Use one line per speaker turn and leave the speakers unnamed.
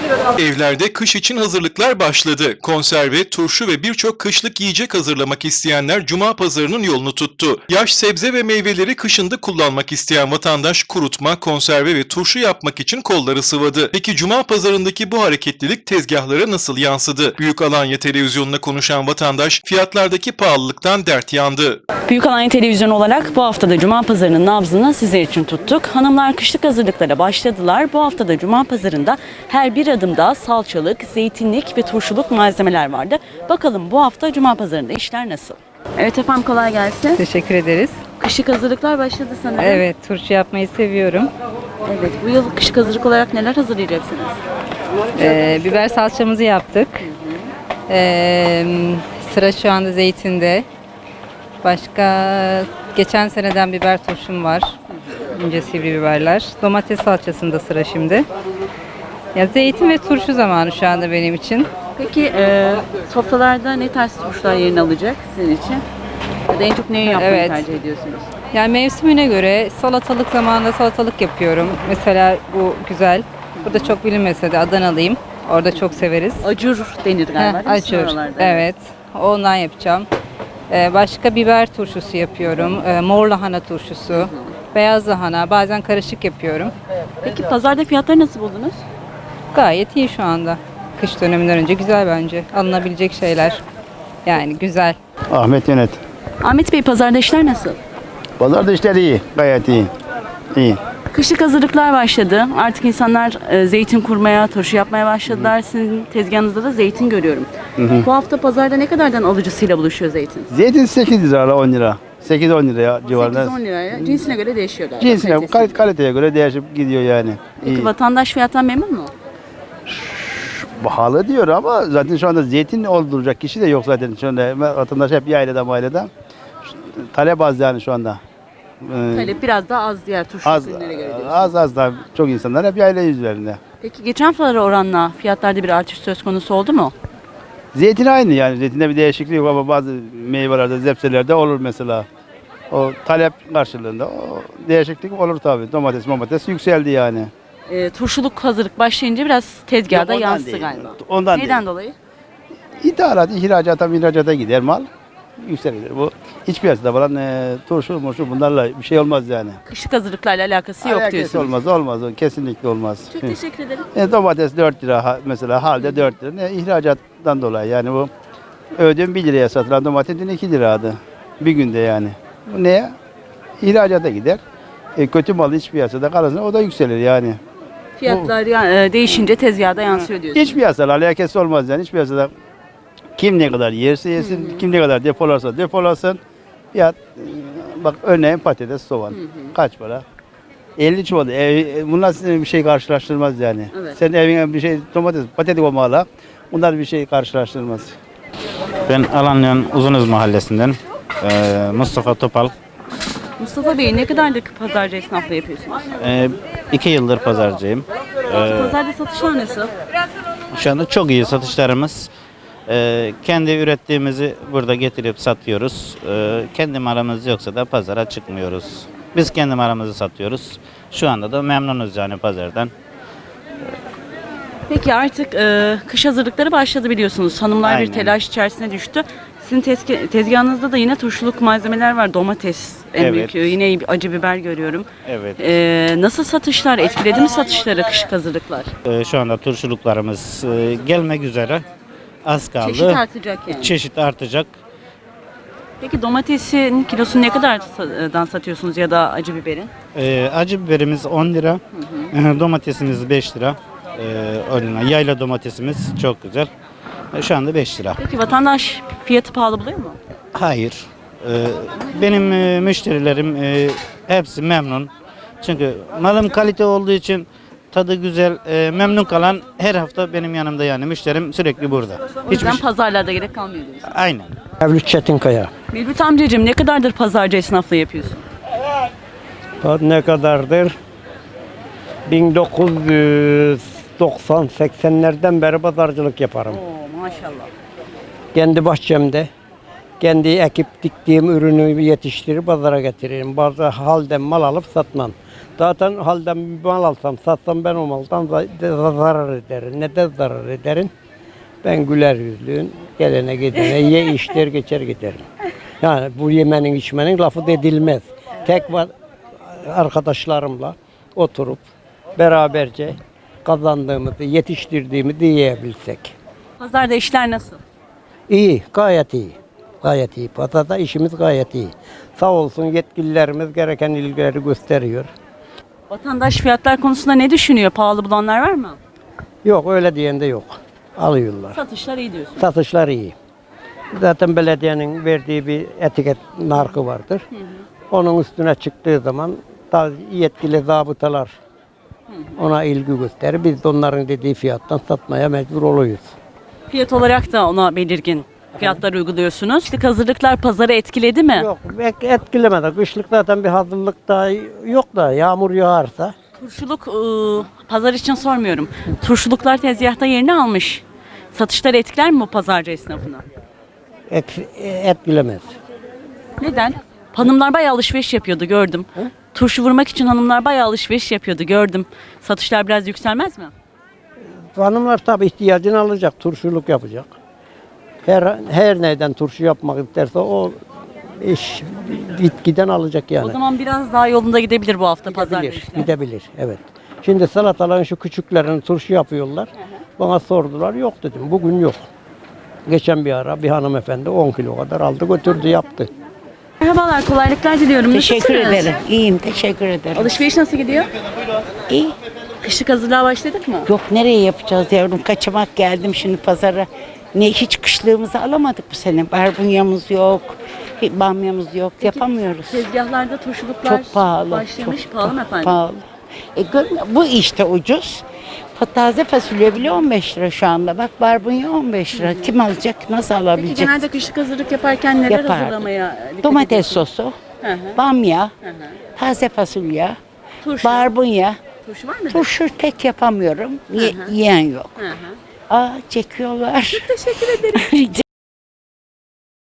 Evlerde kış için hazırlıklar başladı. Konserve, turşu ve birçok kışlık yiyecek hazırlamak isteyenler Cuma pazarının yolunu tuttu. Yaş sebze ve meyveleri kışında kullanmak isteyen vatandaş kurutma, konserve ve turşu yapmak için kolları sıvadı. Peki Cuma pazarındaki bu hareketlilik tezgahlara nasıl yansıdı? Büyük Alanya televizyonuna konuşan vatandaş fiyatlardaki pahalılıktan dert yandı.
Büyük Alanya Televizyonu olarak bu haftada Cuma pazarının nabzını sizler için tuttuk. Hanımlar kışlık hazırlıklara başladılar. Bu haftada Cuma pazarında her bir adımda salçalık, zeytinlik ve turşuluk malzemeler vardı. Bakalım bu hafta Cuma pazarında işler nasıl? Evet efendim, kolay gelsin.
Teşekkür ederiz.
Kışlık hazırlıklar başladı sanırım.
Evet, turşu yapmayı seviyorum.
Evet, bu yıl kışlık hazırlık olarak neler hazırlayacaksınız?
Biber salçamızı yaptık. Sıra şu anda zeytinde. Başka geçen seneden biber turşum var. İnce sivri biberler. Domates salçasında sıra şimdi. Ya zeytin ve turşu zamanı şu anda benim için.
Peki sofralarda ne tarz turşular yerini alacak sizin için? Ya da en çok neyi yapmayı
Evet.
tercih ediyorsunuz?
Yani mevsimine göre salatalık zamanında salatalık yapıyorum. Mesela bu güzel. Burada çok bilinmese de Adanalıyım. Orada çok severiz.
Acur denir galiba değil mi sizin
Acur.
oralarda?
Evet. Ondan yapacağım. Başka biber turşusu yapıyorum. Mor lahana turşusu. Beyaz lahana. Bazen karışık yapıyorum.
Peki pazarda fiyatları nasıl buldunuz?
Gayet iyi şu anda. Kış döneminden önce güzel bence. Alınabilecek şeyler. Yani güzel.
Ahmet Yönet.
Ahmet Bey, pazarda işler nasıl?
Pazarda işler iyi. Gayet iyi. İyi.
Kışlık hazırlıklar başladı. Artık insanlar zeytin kurmaya, turşu yapmaya başladılar. Sizin tezgahınızda da zeytin görüyorum. Bu hafta pazarda ne kadardan alıcısıyla buluşuyor zeytin?
Zeytin 8 lira 10 lira. 8-10 lira civarında.
8-10 liraya. Cinsine göre değişiyor galiba.
Cinsine,
kalitesi.
kaliteye göre değişip gidiyor yani.
Peki
İyi.
vatandaş fiyattan memnun mu?
Pahalı diyor ama zaten şu anda zeytin olduracak kişi de yok zaten. Şu anda vatandaş hep yaylada maylada. Talep az yani şu anda.
Talep biraz daha az diğer turşu
Az,
ürünlere göre diyorsun.
az da çok insanlar hep yayla üzerinde.
Peki geçen haftalara oranla fiyatlarda bir artış söz konusu oldu mu?
Zeytin aynı yani. Zeytinde bir değişiklik yok ama bazı meyvelerde, zepselerde olur mesela. O talep karşılığında o değişiklik olur tabii. Domates yükseldi yani.
Turşuluk hazırlık başlayınca biraz tezgahda
Yok, ondan
yansıdı
değil.
galiba.
Ondan
Neden
değil.
dolayı?
İthalat, ihracata gider mal. Yükselir. Bu iç piyasada falan turşu, bunlarla bir şey olmaz yani.
Kışlık hazırlıklarla alakası yok
Alakası
diyorsunuz.
olmaz. O kesinlikle olmaz.
Çok teşekkür ederim.
Domates 4 lira mesela halde 4 lira. İhracattan dolayı yani bu ödüm 1 liraya satılan domatesin 2 liraydı. Bir günde yani. Bu neye? İhracata gider. Kötü mal iç piyasada kalırsa o da yükselir yani.
Fiyatlar değişince tezgahda yansıyor diyorsunuz.
İç piyasada alakası olmaz yani. İç piyasada kim ne kadar yerse yesin, kim ne kadar depolarsa depolasın. Fiyat, bak örneğin patates, soğan. Kaç para? 50 çuval. Bunlar sizinle bir şey karşılaştırmaz yani.
Evet.
Sen evine bir şey domates, patates olmalı. Bunlar bir şey karşılaştırmaz.
Ben Alanya'nın Uzunöz mahallesinden Mustafa Topal.
Mustafa Bey, ne kadardır pazarcı esnaflığı yapıyorsunuz?
2 yıldır pazarcıyım.
Pazarda satışlar nasıl?
Şu anda çok iyi satışlarımız. Kendi ürettiğimizi burada getirip satıyoruz. Kendi malımız yoksa da pazara çıkmıyoruz. Biz kendi malımızı satıyoruz. Şu anda da memnunuz yani pazardan.
Peki artık kış hazırlıkları başladı biliyorsunuz. Hanımlar
Aynen.
bir telaş içerisine düştü. Sizin tezgahınızda da yine turşuluk malzemeler var. Domates en
Evet.
büyük. Yine acı biber görüyorum.
Evet.
Nasıl satışlar? Etkiledi mi satışları kışlık hazırlıklar?
Şu anda turşuluklarımız gelmek üzere. Az kaldı.
Çeşit artacak yani.
Çeşit artacak.
Peki domatesin kilosunu ne kadardan satıyorsunuz ya da acı biberin?
Acı biberimiz 10 lira. Domatesimiz 5 lira. 10 lira. Yayla domatesimiz çok güzel. Şu anda 5 lira.
Peki vatandaş fiyatı pahalı buluyor mu?
Hayır. Benim müşterilerim hepsi memnun. Çünkü malım kalite olduğu için tadı güzel, memnun kalan her hafta benim yanımda yani müşterim sürekli burada.
O yüzden pazarlarda gerek kalmıyor diyorsun.
Aynen.
Mevlüt Çetinkaya.
Mevlüt amcacığım, ne kadardır pazarcı esnaflığı yapıyorsun?
Ne kadardır? 1990-80'lerden beri pazarcılık yaparım.
Oo, maşallah.
Kendi bahçemde Kendi ekip diktiğim ürünü yetiştirip pazara getiririm. Bazı halden mal alıp satmam. Zaten halden mal alsam satsam ben o maldan zarar ederim. Neden zarar ederim? Ben güler yüzlüyüm. Gelene gidene ye işler geçer giderim. Yani bu yemenin içmenin lafı edilmez. Tek var arkadaşlarımla oturup beraberce kazandığımızı, yetiştirdiğimizi yiyebilsek.
Pazarda işler nasıl?
İyi, gayet iyi. Gayet iyi. Pazarda işimiz gayet iyi. Sağ olsun yetkililerimiz gereken ilgileri gösteriyor.
Vatandaş fiyatlar konusunda ne düşünüyor? Pahalı bulanlar var mı?
Yok öyle diyen de yok. Alıyorlar.
Satışlar iyi diyorsun.
Satışlar iyi. Zaten belediyenin verdiği bir etiket markı vardır. Onun üstüne çıktığı zaman da yetkili zabıtalar ona ilgi gösterir. Biz de onların dediği fiyattan satmaya mecbur oluyoruz.
Fiyat olarak da ona belirgin fiyatlar uyguluyorsunuz. İşte hazırlıklar pazarı etkiledi mi?
Yok etkilemedi. Kışlık zaten bir hazırlık da yok da yağmur yağarsa
Turşuluk pazar için sormuyorum. Turşuluklar tezgahta yerini almış. Satışlar etkiler mi bu pazarcı esnafına?
etkilemez.
Neden? Hanımlar bayağı alışveriş yapıyordu gördüm. Turşu vurmak için hanımlar bayağı alışveriş yapıyordu gördüm. Satışlar biraz yükselmez mi?
Hanımlar tabii ihtiyacını alacak, turşuluk yapacak. Her neyden turşu yapmak isterse o iş giden alacak yani.
O zaman biraz daha yolunda gidebilir bu hafta pazarda
Gidebilir,
işler.
gidebilir, evet. Şimdi salataların şu küçüklerini turşu yapıyorlar. Bana sordular, yok dedim, bugün yok. Geçen bir ara bir hanımefendi 10 kilo kadar aldı götürdü yaptı.
Merhabalar, kolaylıklar diliyorum.
Teşekkür
Nasılsınız?
ederim. İyiyim, teşekkür ederim.
Alışveriş nasıl gidiyor?
İyi.
Kışlık hazırlığa başladık mı?
Yok nereye yapacağız yavrum? Kaçamak geldim şimdi pazara. Hiç kışlığımızı alamadık bu sene. Barbunyamız yok, bamyamız yok. Yapamıyoruz.
Tezgahlarda turşuluklar
Çok pahalı.
başlamış.
çok
Pahalı mı efendim?
Pahalı. Bu işte ucuz. Taze fasulye bile 15 lira şu anda. Bak barbunya 15 lira. Kim alacak? Nasıl
Peki
alabilecek?
genelde kışlık hazırlık yaparken neler
Yapardım.
hazırlamaya dikkat
Domates
ediyorsunuz?
sosu,
Hı hı.
bamya,
Hı hı.
taze fasulye,
Turşu.
barbunya.
Turşu var mı?
Turşu pek yapamıyorum. Yiyen yok.
Hı hı.
Aa çekiyorlar.
Teşekkür ederim.
Rica